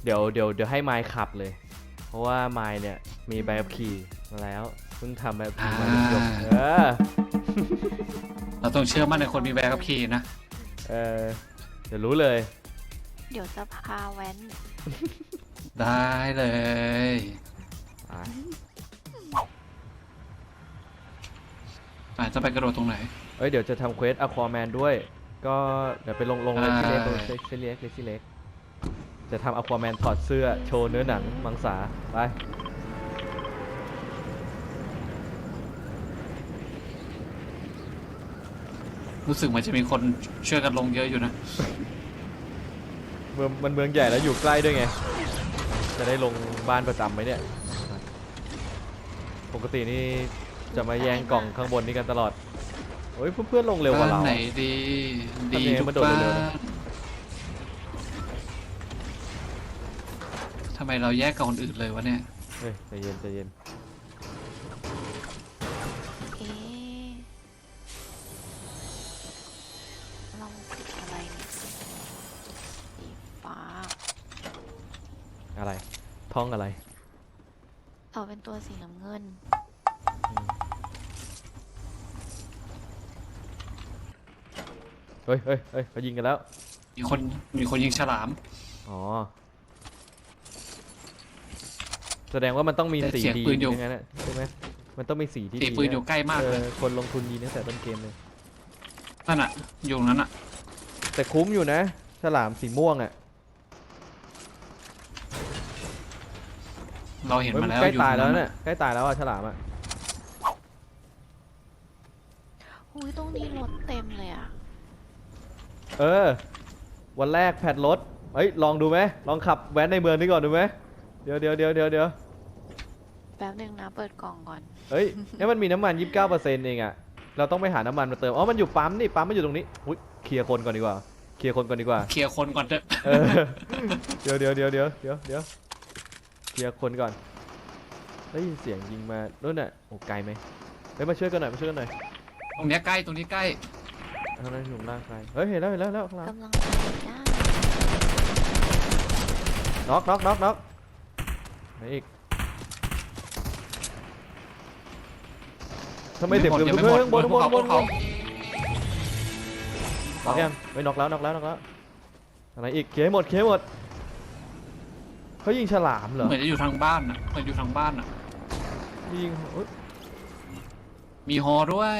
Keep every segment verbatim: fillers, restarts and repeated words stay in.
เดี๋ยวเดี๋ยวเดี๋ยวให้ไมค์ขับเลยเพราะว่าไมค์เนี่ยมีใบขับขี่มาแล้วเพิ่งทำใบขับขี่มาจบเออเราต้องเชื่อมั่นในคนมีใบขับขี่นะเออเดี๋ยวรู้เลยเดี๋ยวจะพาแว้นได้เลยอาจจะไปกระโดดตรงไหนเอ้ยเดี๋ยวจะทำเควสอะควาแมนด้วยก็เดี๋ยวไปลงลงเลยที่เล็กเลยที่เล็กเลยที่เล็กจะทำอะควาแมนถอดเสื้อโชว์เนื้อหนังมังสาไปรู้สึกเหมือนจะมีคนช่วยกันลงเยอะอยู่นะเมืองมันเมืองใหญ่แล้วอยู่ใกล้ด้วยไงจะได้ลงบ้านประจำไหมเนี่ยปกตินี่จะมาแย่งกล่องข้างบนนี้กันตลอดโอ้ยเพื่อนๆลงเร็วกว่าเราไหนดีดีทุกบ้านทำไมเราแยกกับคนอื่นเลยวะเนี่ยเฮ้ยใจเย็นใจเย็นเอ๊ะลองติดอะไรเนี่ยสีฟ้าอะไรท้องอะไรต่อเป็นตัวสีน้ำเงินเฮ้ยเฮ้ยเฮ้ยเขายิงกันแล้วมีคนมีคนยิงฉลามอ๋อแสดงว่ามันต้องมีสีดีอย่างนั้นใช่ไหมมันต้องมีสีที่ดีปืนอยู่ใกล้มากเลยคนลงทุนดีตั้งแต่ต้นเกมเลยนั่นอ่ะอยู่นั้นอ่ะแต่คุ้มอยู่นะฉลามสีม่วงอ่ะเราเห็นมาแล้วใกล้ตายแล้วเนี่ยใกล้ตายแล้วอ่ะฉลามอ่ะอุ้ยตรงนี้รถเต็มเลยอ่ะเออวันแรกแพทรถเฮ้ยลองดูไหมลองขับแว้นในเมืองนี้ก่อนดูไหมเดี๋ยวเดี๋ยวเดี๋ยวเดี๋ยวเดี๋ยวแป๊บนึงนะเปิดกล่องก่อนเฮ้ยนี่มันมีน้ำมันยี่สิบเก้าเปอร์เซ็นต์เองอ่ะเราต้องไปหาน้ำมันมาเติมอ๋อมันอยู่ปั๊มนี่ปั๊มมันอยู่ตรงนี้อุ้ยเคลียร์คนก่อนดีกว่าเคลียร์คนก่อนดีกว่าเคลียร์คนก่อนเถอะเดี๋ยวเดี๋ยวเดี๋ยวเดี๋ยวเดี๋ยวเดี๋ยวเคลียร์คนก่อนได้ยินเสียงยิงมาโน่นน่ะโอ้ไกลไหมไปมาช่วยกันหน่อยมาช่วยกันหน่อยตรงนี้ใกล้ตรงนี้ใกล้ทางนั้นหนุ่มร่างใครเฮ้ยเห็นแล้วเห็นแล้วแล้วข้างหลังกำลังไปนะน็อกน็อกน็อกน็อกไหนอีกทำไมเด็กเดือดเพื่อนบนบนบนเขาน็อกยังไม่น็อกแล้วน็อกแล้วน็อกแล้วอะไรอีกเคลียร์หมดเคลียร์หมดเขายิงฉลามเหรอเหมือนจะอยู่ทางบ้านอ่ะเหมือนอยู่ทางบ้านอ่ะยิงมีฮอด้วย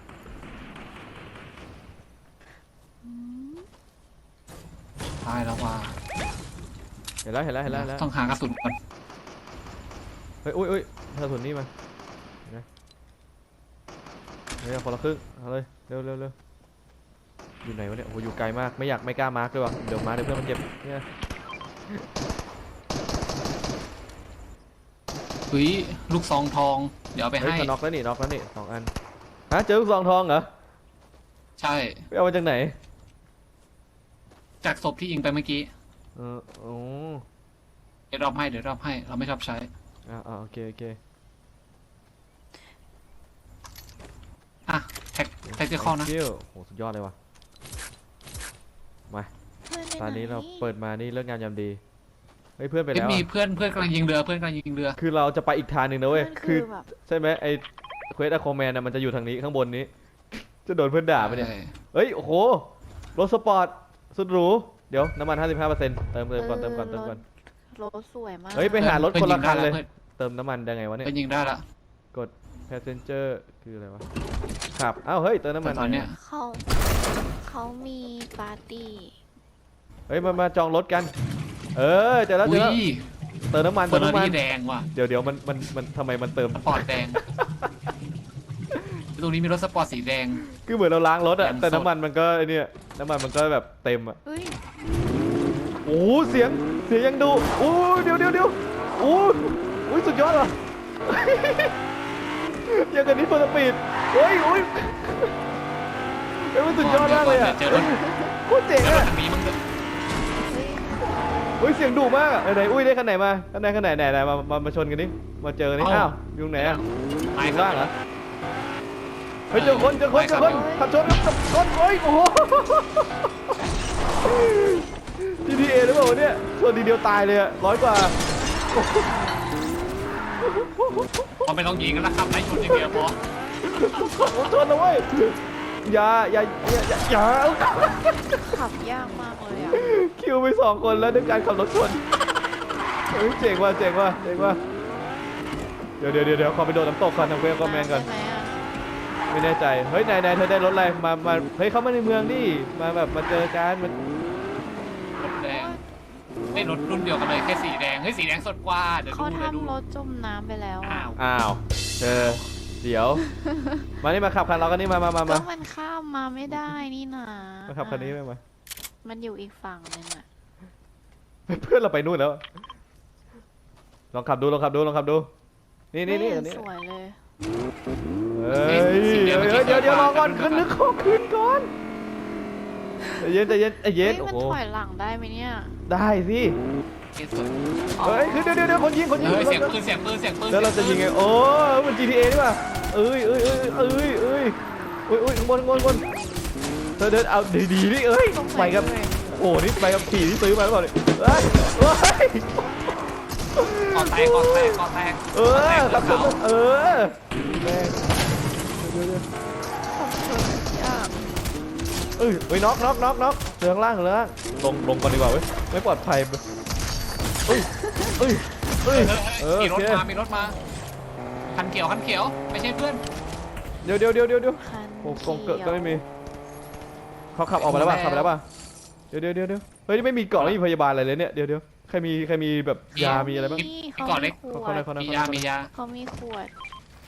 ตายแล้วว่ะเห็นแล้วเห็นแล้วเห็นแล้วต้องหากระสุนก่อนเฮ้ยอุ้ยอุ้ยกระสุนนี่มาเฮ้ยคนละครึ่งเอาเลยเร็วเร็วเร็วอยู่ไหนวะเนี่ยโอ้อยู่ไกลมากไม่อยากไม่กล้ามาร์กเลยว่ะเดี๋ยวมาเดี๋ยวเพื่อนมันเจ็บเนี่ยเฮ้ยลูกซองทองเดี๋ยวไปให้น็อกแล้วนี่น็อกแล้วนี่สองอันฮะเจอลูกซองทองเหรอใช่ไปเอามาจากไหนจากศพที่ยิงไปเมื่อกี้เออโอ้เดี๋ยวรอบให้เดี๋ยวรอบให้เราไม่ชอบใช้อ่าอ่าโอเคโอเคอ่ะแท็กแท็กที่ข้อนะโอ้สุดยอดเลยว่ะมาตอนนี้เราเปิดมานี่เลิกงานยามดีเฮ้ยเพื่อนไปแล้วมีเพื่อนเพื่อนกำลังยิงเรือเพื่อนกำลังยิงเรือคือเราจะไปอีกทางหนึ่งนะเว้ยคือใช่ไหมไอเควสอะคอมแมนน่ะมันจะอยู่ทางนี้ข้างบนนี้จะโดนเพื่อนด่าไปเนี่ยเฮ้ยโอ้โหรถสปอร์ตสุดหรูเดี๋ยวน้ำมัน ห้าสิบห้าเปอร์เซ็นต์ เติมเติมก่อนเติมก่อนเติมก่อนรถสวยมากเฮ้ยไปหารถคนละคันเลยเติมน้ำมันได้ไงวะเนี่ยไปยิงได้ละกด passenger คืออะไรวะขับอ้าวเฮ้ยเติมน้ำมันตอนเนี้ยเขาเขามีปาร์ตี้เฮ้ยมามาจองรถกันเออเจอแล้วเจอแล้วเติมน้ำมันเติมน้ำมันแดงว่ะเดี๋ยวเดี๋ยวมันมันมันทำไมมันเติมสปอร์ตแดงตรงนี้มีรถสปอร์ตสีแดงคือเหมือนเราล้างรถอะแต่น้ำมันมันก็ไอเนี่ยน้ำมันมันก็แบบเต็มอะโอ้เสียงเสียงยังดูโอ้เดี๋ยวเดี๋ยวเดี๋ยวโอ้โอ้สุดยอดว่ะอย่างกันนี้เฟิร์สปีดโอ้ยโอ้ยเฮ้ยมันสุดยอดมากเลยอะโคตรเจ๋งอะโอ้ยเสียงดุมากอะไหนอุ้ยได้คันไหนมาคันไหนคันไหนไหนไหนมามามาชนกันดิมาเจอนี่อ้าวอยู่ไหนอะอยู่ล่างเหรอเฮ้ยเจอคนเจอคนเจอคนขับชนกับชนโอ้ยโอ้โห จี ที เอ หรือเปล่าเนี่ยชนทีเดียวตายเลยอะร้อยกว่าพอไม่ต้องยิงกันแล้วครับไล่ชนอย่างเดียวพอขับรถชนนะเว้ยอย่าอย่าอย่าอย่าอย่าขับยากมากเลยอ่ะคิวไปสองคนแล้วด้วยการขับรถชนเฮ้ยเจ๋งว่ะเจ๋งว่ะเจ๋งว่ะเดี๋ยวเดี๋ยวเดี๋ยวเดี๋ยวขอไปโดดน้ำตกก่อนทำเควสคอมเมนต์ก่อนได้ไหมอะไม่แน่ใจเฮ้ยนายนายเธอได้รถอะไรมามาเฮ้ยเข้ามาในเมืองดิมาแบบมาเจอกันมันรถแดงไม่รถรุ่นเดียวกันเลยแค่สีแดงเฮ้ยสีแดงสดกว่าเดี๋ยวเขาดูเดี๋ยวดูทำรถจมน้ำไปแล้วอะอ้าวอ้าวเธอเดี๋ยว มานี่มาขับคันเรากันนี่มามามาก็มามันข้ามมาไม่ได้นี่นะมาขับคันนี้ไปมามันอยู่อีกฝั่งนึงอ่ะเพื่อนเราไปนู่นแล้วลองขับดูลองขับดูลองขับดูนี่นี่นี่ไม่อันเห็นี้สวยเลยเฮ้ยเดี๋ยวเดี๋ยวเดี๋ยวเดี๋ยวรอก่อนขึ้นนึกขอขึ้นก่อนใจเย็นใจเย็นใจเย็นเฮ้ยโอ้มันโหถอยหลังได้ไหมเนี่ยได้สิเฮ้ยสวยเฮ้ยคือเดี๋ยวเดี๋ยวเดี๋ยวคนยิงคนยิงเฮ้ยเสียงปืนเสียงปืนเสียงปืนแล้วเราจะยิงไงโอ้มัน จี ที เอ นี่ป่ะเอ้ยเอ้ยเอ้ยเอ้ยเอ้ยเอ้ยเอ้ยข้างบนข้างบนข้างบนเธอเดินเอาดีๆนี่เอ้ยตรงไหนไปกับเลยโอ้นี่ไปกับขี่ที่ซื้อมาหรือเปล่าเนี่ยเฮ้ยเฮ้ยกอแตกกอแตกกอแตกเออขับรถเออแม่งเดี๋ยวเดี๋ยวผมเขินยากเอ้ยเฮ้ยน็อกน็อกน็อกน็อกเดินข้างล่างเดินข้างล่างลงลงก่อนดีกว่าเว้ยไม่ปลอดภัยเอ้ยเอ้ยเอ้ยเออมีโอรถเคมามีรถมาคันเขียวคันเขียวไม่ใช่เพื่อนเดี๋ยวเดี๋ยวเดี๋ยวเดี๋ยวเดี๋ยวคันโอ้กงเขีเกิดยวก็ไม่มีเขาขับออกไปแล้วป่ะขับไปแล้วป่ะเดี๋ยวเดี๋ยวเดี๋ยวเดี๋ยวเฮ้ยนี่ไม่มีเกาะไม่มีพยาบาลอะไรเลยเนี่ยเดี๋ยวเดี๋ยวใครมีใครมีแบบยามีอะไรบ้างนี่ก่อนเล็กขเขามีเขาขวดเขามียามียาเขามีขวด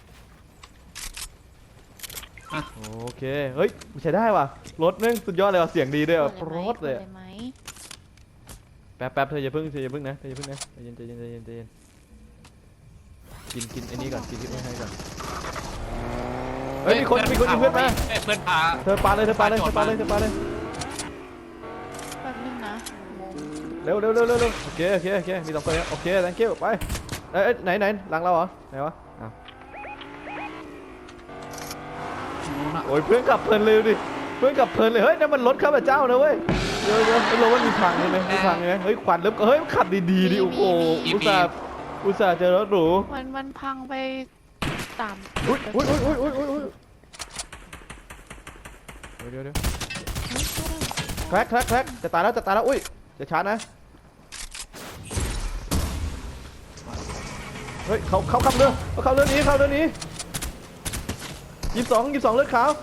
โอเคเฮ้ยใช้ได้ว่ะรถนึงสุดยอดเลยว่ะเสียงดีด้วยว่ะขวดรถเลยขวดไหมแป๊บแป๊บเธออย่าเพิ่งเธออย่าเพิ่งนะเธออย่าเพิ่งนะใจเย็นใจเย็นใจเย็นใจเย็นกินกินไอ้นี่ก่อนกินที่ไม่ให้ก่อนเฮ้ยมีคนมีคนยิงเพื่อนมาเอ้ยเพื่อนพาเธอปาเลยเธอปาเลยเธอปาเลยเธอปาเลยแป๊บนึงนะงงเร็วเร็วเร็วเร็วเร็วโอเคโอเคโอเคมีสองคนเนี่ยโอเค thank you ไปเอ้ยเอ้ยไหนไหนหลังเราเหรอไหนวะอ้าวนู้นอะโอ้ยเพื่อนกลับเพลินเลยดิเพื่อนกลับเพลินเลยเฮ้ยนั่นมันรถข้าพเจ้านะเว้ยเดี๋ยวเดี๋ยวไอ้รถมันมีพังใช่ไหมมีพังใช่ไหมเฮ้ยควันเริ่มเฮ้ยขับดีๆดิโอ้โหอุตส่าห์อุตส่าห์เจอรถหรูมันมันพังไปตามอุ้ยอุ้ยอุ้ยอุ้ยอุ้ยอุ้ยเดี๋ยวเดี๋ยวแคร็กแคร็กแคร็กจะตายแล้วจะตายแล้วอุ้ยจะชาร์จนะเฮ้ยเขาเขาขับเรือเขาขับเรือหนี้เขาเรือหนี้ยี่สิบสองยี่สิบสองเลือดขาว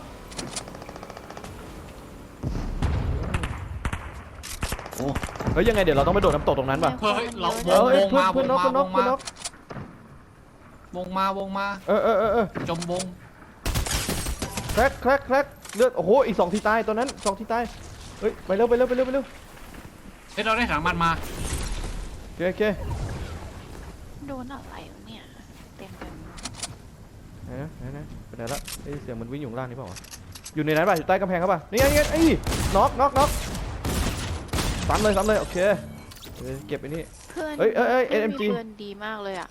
โอ้เฮ้ยยังไงเดี๋ยวเราต้องไปโดดน้ำตกตรงนั้นป่ะเฮ้ยเราวเอง อเฮ้ยวงเพื่อนมาเพื่อนวน็อกงเพื่อนน็อกมาเพื่อนน็อกวงมาวงมาเออเออเออเออจมวงแคร็กแคร็กแคร็กเลือดโอ้โหอีกสองทีตายตัวนั้นสองทีตายเฮ้ยไปเร็วไปเร็วไปเร็วไปเร็วเฮ้ยเราได้ถังมันมาโอเคโอเคโดนอะไรวะเนี่ยเต็มไปหมดไหนนะไหนนะไปไหนละไอ้ยเสียงมันวิ่งอยู่ข้างล่างนี่เปล่าวะอยู่ในนั้นป่ะอยู่ใต้กำแพงเขาป่ะนี่ไงนี่ไงไอ้น็อกน็อกน็อกซ้ำเลยซ้ำเลยโอเคเดี๋ยวเก็บไอ้นี่เพื่อนเอ้ยเอ้ยเอ้ยพื่นเอ็ม จีมีเพื่อนดีมากเลยอ่ะ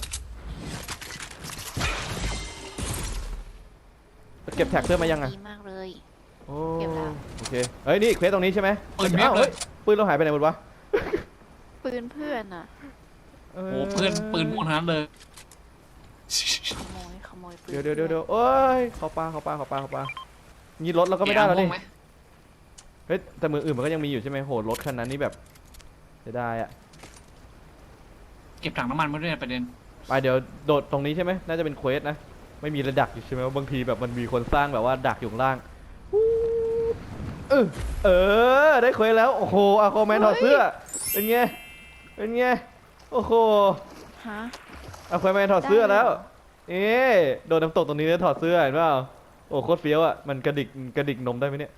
เก็บแท็กเพื่อนมายังอ่ะดีมากเลยโอ้เก็บแล้วโอเคเฮ้ยนี่เควสตรงนี้ใช่ไหมปืนเพียบอ้าวเลเฮ้ยยปืนเราหายไปไหนหมดวะปืนเพื่อนอ่ะโอ้โอ้เพื่อนปืนม่วงทั้งนั้นเลยขโมยขโมยปืนเดี๋ยวเดี๋ยวเดี๋ยวเดี๋ยวโอ้ยเขาปลาเขาปลาเขาปลาเขาปลางี้รถเราก็ไม่ได้แล้วนี่เกียร์ม่วงไหมเฮ้ยแต่มืออื่นมันก็ยังมีอยู่ใช่ไหมโหรถคันนั้นนี่แบบเสียดายอ่ะเก็บถังน้ำมันมาด้วยนะประเด็นไปเดี๋ยวโดดตรงนี้ใช่ไหมน่าจะเป็นเควสนะไม่มีระดักอยู่ใช่ไหมว่าบางทีแบบมันมีคนสร้างแบบว่าดักอยู่ข้างล่างเออเออได้เควสแล้วโอ้โหอะคอมแมนถอดเสื้อเป็นไงเป็นไงโอ้โหฮะอะคอมแมนถอดเสื้อได้แล้วเหรอเอ๊ะโดนน้ำตกตรงนี้แล้วถอดเสื้อเห็นเปล่าโอ้โคตรเฟี้ยวอ่ะมันกระดิกกระดิกนมได้ไหมเนี่ย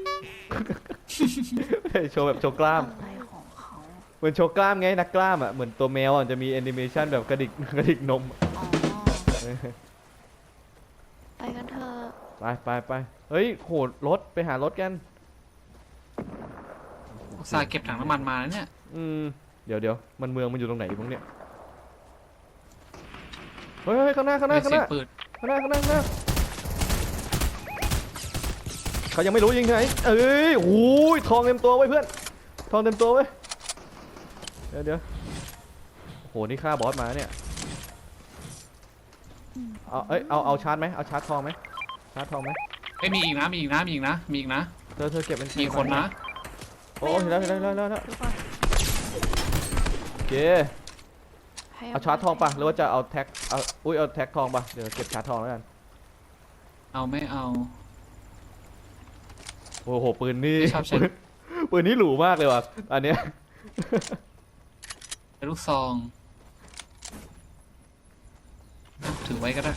โชว์แบบโชว์กล้ามอะไรของเขาเหมือนโชว์กล้ามไงนักกล้ามอ่ะเหมือนตัวแมวอ่ะจะมีแอนิเมชันแบบกระดิกกระดิกนมอ๋อไปกันเถอะไปไปไปเฮ้ยโหรถไปหารถกันอุตส่าห์เก็บถังน้ำมันมาแล้วเนี่ยอืมเดี๋ยวเดี๋ยวมันเมืองมันอยู่ตรงไหนอยู่พวกเนี้ยเฮ้ยเฮ้ยข้างหน้าข้างหน้าได้ข้างเสีหยงน้าปืนข้างหน้าข้างหน้าข้างหน้าเขายังไม่รู้ยิงที่ไหนเอ้ยโอ้ยทองเต็มตัวไว้ยเพื่อนทองเต็มตัวไว้ยเดี๋ยวเดี๋ยวโอ้โหนี่ฆ่าบอสมาเนี่ยเอาเอ้ยเอาเอาชาร์จไหมเอาชาร์จทองไหมชาร์จทองไหมเอ้ยมีอีกนะมีอีกนะมีอีกนะมีอีกนะเธอเธอเก็บเป็นมีคนนะโอ้เห็นแล้วเห็นแล้วเห็นแล้วเห็นแล้วดูก่อนโอเคให้เอาชาร์จทองปะหรือว่าจะเอาแท็กเอาอุ้ยเอาแท็กทองปะเดี๋ยวเก็บชาร์จทองแล้วกันเอาไม่เอาโอ้โหปืนนี่ไม่ชอบใช้ปืนปืนนี่หรูมากเลยว่ะอันเนี้ยลูกซองถือไว้ก็ได้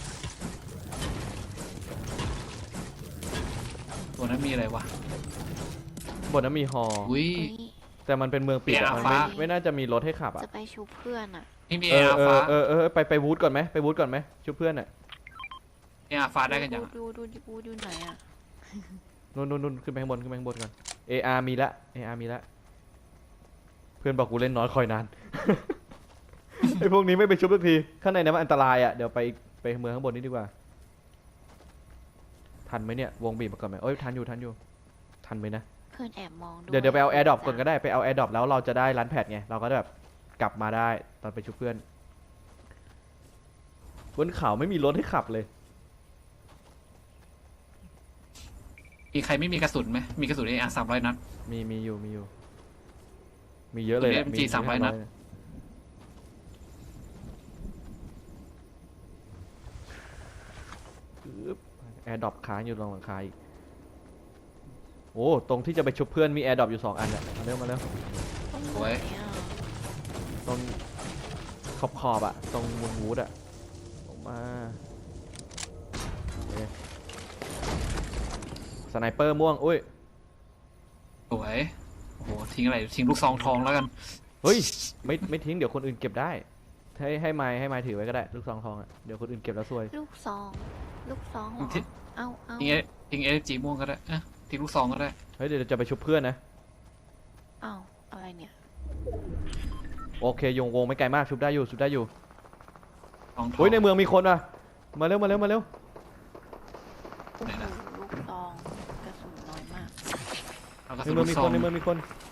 ตัวนั้นมีอะไรวะบนนั้นมีฮออุ้ยอุ๊ยแต่มันเป็นเมืองปิดอะเบียร์มันไม่ฟ้าไม่น่าจะมีรถให้ขับอะจะไปชูเพื่อนอ่ะนี่มีเอเอออาเอฟ้าอเออเออไปไปวูดก่อนไหมไปวูดก่อนไหมช่วยเพื่อนอะเออาฟ้าได้กันยังดูดูดูดูไหนอ่ะนู่นนู่นนู่นขึ้นไปข้างบนขึ้นไปข้างบนก่อน เอ อาร์ มีละ เอ อาร์ มีละเพื่อนบอกกูเล่นน้อยคอยนาน ไอพวกนี้ไม่ไปชุบสักทีข้างในนั้นมันอันตรายอะเดี๋ยวไปไปเมืองข้างบนนี้ดีกว่าทันไหมเนี่ยวงบีบมาก่อนไหมเอ้ยทันอยู่ทันอยู่ทันไหมนะเพื่อนแอบมองด้วยเดี๋ยวเดี๋ยวไปเอาแอร์ดรอปก่อนก็ได้ไปเอาแอร์ดรอปแล้วเราจะได้รันแพดไงเราก็แบบกลับมาได้ตอนไปชุบเพื่อนบนเขาไม่มีรถให้ขับเลยมีใครไม่มีกระสุนไหมมีกระสุนเออาสามร้อยนัดมีมีอยู่มีอยู่ มีเยอะเลยแหละมี สามร้อยนัดแอร์ดรอปค้างอยู่ตรงหลังคาอีกโอ้ตรงที่จะไปชุบเพื่อนมีแอร์ดรอปอยู่สองอันเนี่ยมาเร็วมาเร็วต้องโอ้ยไหนอ่ะตรงขอบขอบอะตรงมูนวูดอะออกมาโอเคสไนเปอร์ม่วงอุ้ยสวยโอ้โหทิ้งอะไรทิ้งลูกซองทองแล้วกันเฮ้ยไม่ไม่ทิ้งเดี๋ยวคนอื่นเก็บได้ให้ให้ไม้ให้ไม้ถือไว้ก็ได้ลูกซองทองอะเดี๋ยวคนอื่นเก็บแล้วซวยลูกซองลูกซองเหรอที่เอาเอาทิ้งเอทิ้งเอจีม่วงก็ได้อะทิ้งลูกซองก็ได้เฮ้ยเดี๋ยวจะไปชุบเพื่อนนะเอาอะไรเนี่ยโอเคโยงวงไม่ไกลมากชุบได้อยู่ชุบได้อยู่ทองทองเฮ้ยในเมืองมีคนว่ะมาเร็วมาเร็วมาเร็วโอ้โหลูกซองกระสุนน้อยมากเอากระในสุนเมืลูองกมีซอคงนในเมืองมีคน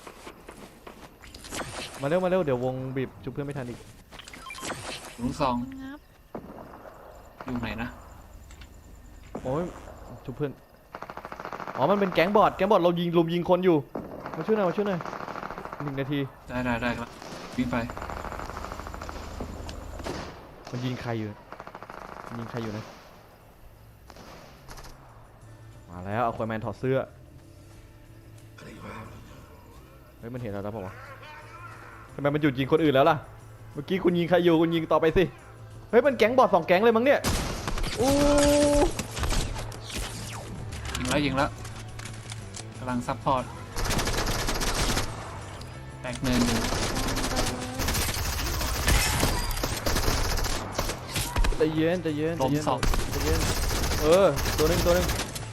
มาเร็วมาเร็วเดี๋ยววงบีบชุบเพื่อนไม่ทันอีกลูกซองงับอยู่ไหนนะโอ้ยชุบเพื่อนอ๋อมันเป็นแก๊งบอดแก๊งบอดเรายิงลุมยิงคนอยู่มาช่วยหน่อยมาช่วยหน่อยหนึ่งนาทีได้ได้ได้ครับวิ่งไปมันยิงใครอยู่มันยิงใครอยู่นะมาแล้วเอาควายแมนถอดเสื้อเฮ้ยมันเห็นเราแล้วเปล่าวะทำไมมันหยุดยิงคนอื่นแล้วล่ะเมื่อกี้คุณยิงใครอยู่คุณยิงต่อไปสิเฮ้ยมันแก๊งบอดสองแก๊งเลยมั้งเนี่ยอู้ยิงแล้วยิงแล้วกำลังซัพพอร์ตแตกหนึ่งใจเย็นใจเย็นใจล้มเย็นสองใจเย็นเออตัวหนึงตัวหนึง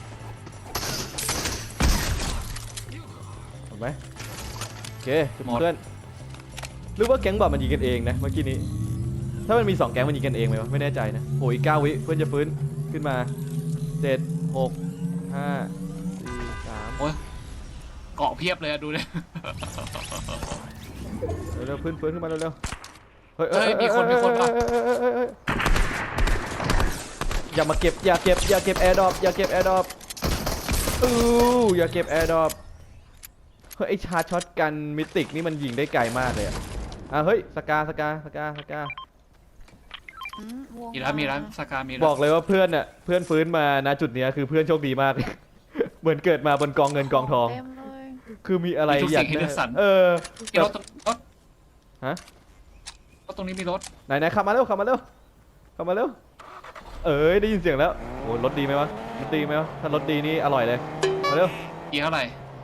เห็นไหมโอเคจุดเพื่อนหรือว่าแก๊งบอดมันยิงกันเองนะเมื่อกี้นี้ถ้ามันมีสองแก๊งมันยิงกันเองไหมวะไม่แน่ใจนะโอ้ยเก้าวิเพื่อนจะฟื้นขึ้นมาเจ็ดหกห้าสี่สามโอ้ยเกาะเพียบเลยอะดูเลยเร็วๆฟื้นฟื้นขึ้นมาเร็วๆเฮ้ยเฮ้ยมีคนมีคนป่ะเอ้ยเอ้ยเอ้ยเอ้ยอย่ามาเก็บอย่าเก็บอย่าเก็บแอร์ดรอปอย่าเก็บแอร์ดรอปอู้อย่าเก็บแอร์ดรอปเฮ้ยไอชาร์จช็อตกันมิติกนี่มันยิงได้ไกลมากเลยอะอ่ะเฮ้ยสกาสกาสกาสกาอืมวงมีแล้วมีแล้วสกามีแล้วบอกเลยว่าเพื่อนน่ะเพื่อนฟื้นมาณจุดเนี้ยคือเพื่อนโชคดีมาก เหมือนเกิดมาบนกองเงินกองทองเต็มเลยคือมีอะไรมีทุกอยาสิ่กงให้ได้เลือกสรรเออมีรถตรงรถฮะรถตรงนี้มีรถไหนไหนขับมาเร็วขับมาเร็วขับมาเร็วเอ้ยได้ยินเสียงแล้วโอ้รถดีไหมวะรถดีไหมวะถ้ารถดีนี่อร่อยเลยมาเร็วกี่เท่าไหร่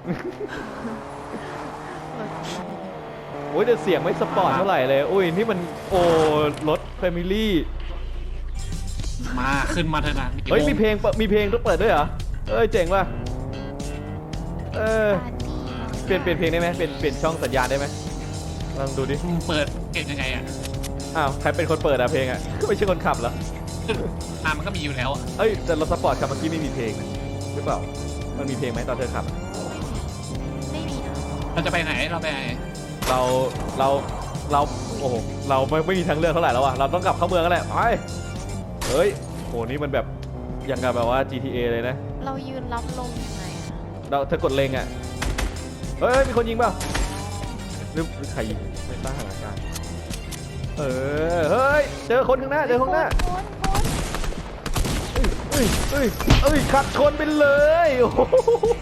โอ้ยแต่เสียงไม่สปอร์ตเท่าไหร่เลยอุ้ยนี่มันโอ้รถแฟมิลี่มาขึ้นมาเถอะนะเฮ้ยมีเพลงเปิดมีเพลงต้องเปิดด้วยเหรอเอ้ยเจ๋งว่ะเออปาร์ตี้เปลี่ยนเปลี่ยนเพลงได้ไหมเปลี่ยนเปลี่ยนช่องสัญญาณได้ไหมลองดูดิเปิดเก่งยังไงอ่ะอ้าวใครเป็นคนเปิดอะเพลงอะ ไม่ใช่คนขับเหรออ่ามันก็มีอยู่แล้วอะเอ้ยแต่รถสปอร์ตขับเมื่อกี้ไม่มีเพลงนะหรือเปล่ามันมีเพลงไหมตอนเธอขับไม่มีนะเราจะไปไหนเราไปไหนเราเราเราโอ้โหเราไม่ไม่มีทางเลือกเท่าไหร่แล้วอะเราต้องกลับเข้าเมืองกันแหละไปเฮ้ยโหนี่มันแบบยังกับแบบว่า จี ที เอ เลยนะเรายืนรับลมยังไงอะเราเธอกดเล็งอะเฮ้ยมีคนยิงเปล่าหรือหรือใครยิงไม่ทราบสถานการณ์เออเฮ้ยเจอคนข้างหน้าเจอคนข้างหน้าคนคนเอ้ยเอ้ยเอ้ยขัดชนไปเลยโอ้โห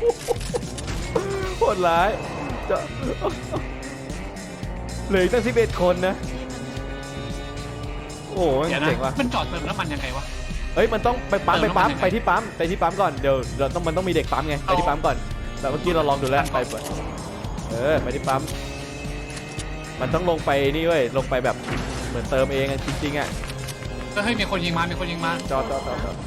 โหดร้ายจะเหลืออีกตั้งสิบเอ็ดคนนะโอ้โหเดี๋ยวนะเจ๋งว่ะมันจอดเติมน้ำมันยังไงวะเฮ้ยมันต้องไปปั๊มเติไปมน้ำมันปั๊มยังไงไปที่ปั๊มไปที่ปั๊มก่อนเดี๋ยวเราต้องมันต้องมีเด็กปั๊มไงไปที่ปั๊มก่อนแต่เมื่อกี้เราลองดูแล้วไปเออไปที่ปั๊มมันต้องลงไปนี่เว้ยลงไปแบบเหมือนเติมเองอะจริงๆอะก็เฮ้ยมีคนยิงมามีคนยิงมาจอดจอดจอดจอด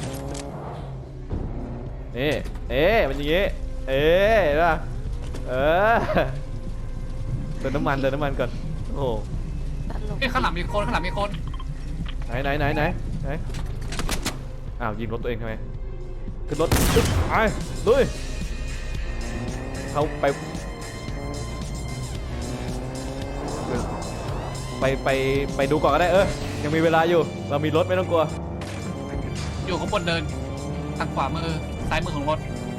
นี่เอ๊ะมันอย่างงี้เอ๊ะเห็นป่ะเออเติมน้ำมันเติมน้ำมันก่อนโอ้โหตลกเฮ้ยข้างหลังมีคนข้างหลังมีคนไหนไหนไหนไหนไหนอ้าวยิงรถตัวเองทำไมขึ้นรถปึ๊บไปลุยเขาไปไปไปไปดูก่อนก็ได้เออยังมีเวลาอยู่เรามีรถไม่ต้องกลัวอยู่ข้างบนเดินทางขวามือซ้ายมือของรถ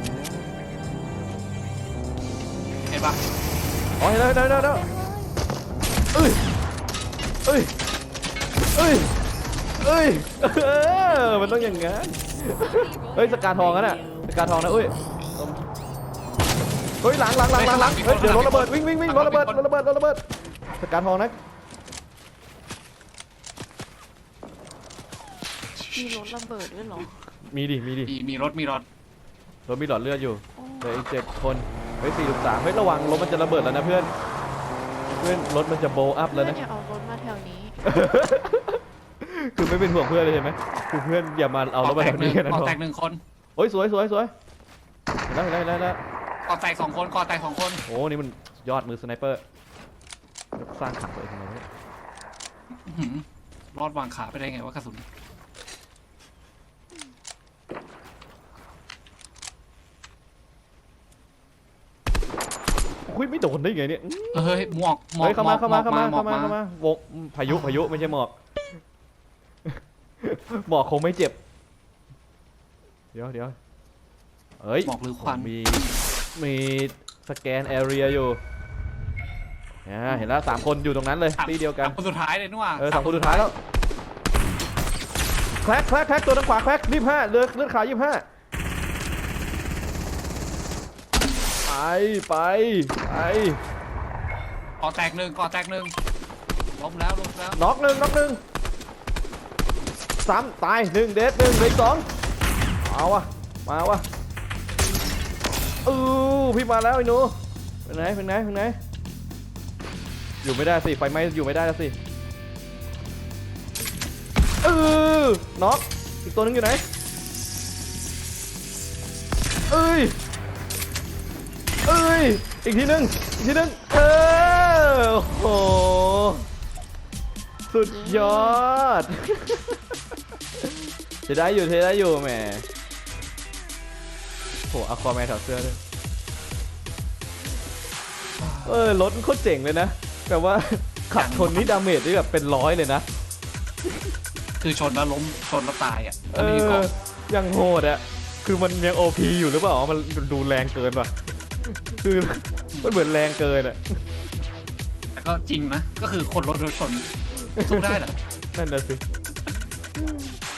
เห็นปะอ๋อเห็นแล้วเห็นแล้วเห็นแล้วเอ้ยเอ้ยเอ้ยเอ้ยเออมันต้องอย่างงั้นเฮ้ยสกาทองกันน่ะสกาทองนะเอ้ยเฮ้ยหลังหลังหลังหลังหลังเฮ้ยเดี๋ยวรถระเบิดวิ่งวิ่งวิ่งรถระเบิดรถระเบิดรถระเบิดสกาทองนะมีรถระเบิดด้วยเหรอมีดิมีดิมีมีรถมีรถรถมีหลอดเลือดอยู่โอ้เหลืออีกเจ็ดคนเฮ้ยสี่ลูกสามเฮ้ยระวังรถมันจะระเบิดแล้วนะเพื่อนเพื่อนรถมันจะโบว์อัพแล้วเพื่อนนะอย่าเอารถมาแถวนี้คือไม่เป็นห่วงเพื่อนเลยใช่ไหมคือเพื่อนอย่ามาเอารถมาแถวนี้กันนะก่อน้องแตกหนึ่งคนโอ้ยสวยสวยสวยเห็นแล้วเห็นแล้วเห็นแล้วเห็นแล้วก่อแตกสองคนก่อแตกสองคนโอ้นี่มันยอดมือสไนเปอร์สร้างขังตัวเองทำไมเนี่ยอื้อหือรอดวางขาไปได้ไงวะกระสุนคุยไม่โดนได้ไงเนี่ยเฮ้ยหมวกหมวกเฮ้ยเข้ามาเข้ามาเข้ามาหเข้ามาเข้ามาโวกพายุพายุไม่ใช่หมอกหมอกคงไม่เจ็บเดี๋ยวเดี๋ยวเฮ้ยหมอกหรือควันมีมีสแกนแอเรียอยู่อ่าเห็นแล้วสามคนอยู่ตรงนั้นเลยที่เดียวกันสามคนสุดท้ายเลยนู่นว่ะเออสองคนสุดท้ายแล้วแคลกแคลกแคลกตัวทางขวาแคลกยี่สิบห้าเลือดเลือดขาวยี่สิบห้าไปไปไปก่อแตกหนึ่งก่อแตกหนึ่งล้มแล้วล้มแล้วน็อกหนึ่งน็อกหนึ่งสามตายหนึ่งเดดหนึ่งเหลืออีกสองเอาวะมาวะอู้พี่มาแล้วไอ้หนูเป็นไหนเป็นไหนเป็นไหนอยู่ไม่ได้สิไฟไหม้อยู่ไม่ได้แล้วสิเออน็อกอีกตัวนึงอยู่ไหนเอ้ยเอ้ยอีกทีนึงอีกทีนึงเออโอ้โหสุดยอดจะได้อยู่เทได้อยู่แหมโหอะควาแมนถอดเสื้อด้วยเออรถมันโคตรเจ๋งเลยนะแต่ว่าขับชนนี่ดาเมจได้แบบเป็นร้อยเลยนะคือชนแล้วล้มชนแล้วตายอ่ะเออันนี้ก็อยังโหดอะคือมันยังโอพีอยู่หรือเปล่ามันดูแรงเกินป่ะคือมันเหมือนแรงเกินอะแต่ก็จริงนะก็คือคนรถโดนชนสู้ได้เหรอนั่นน่ะสิ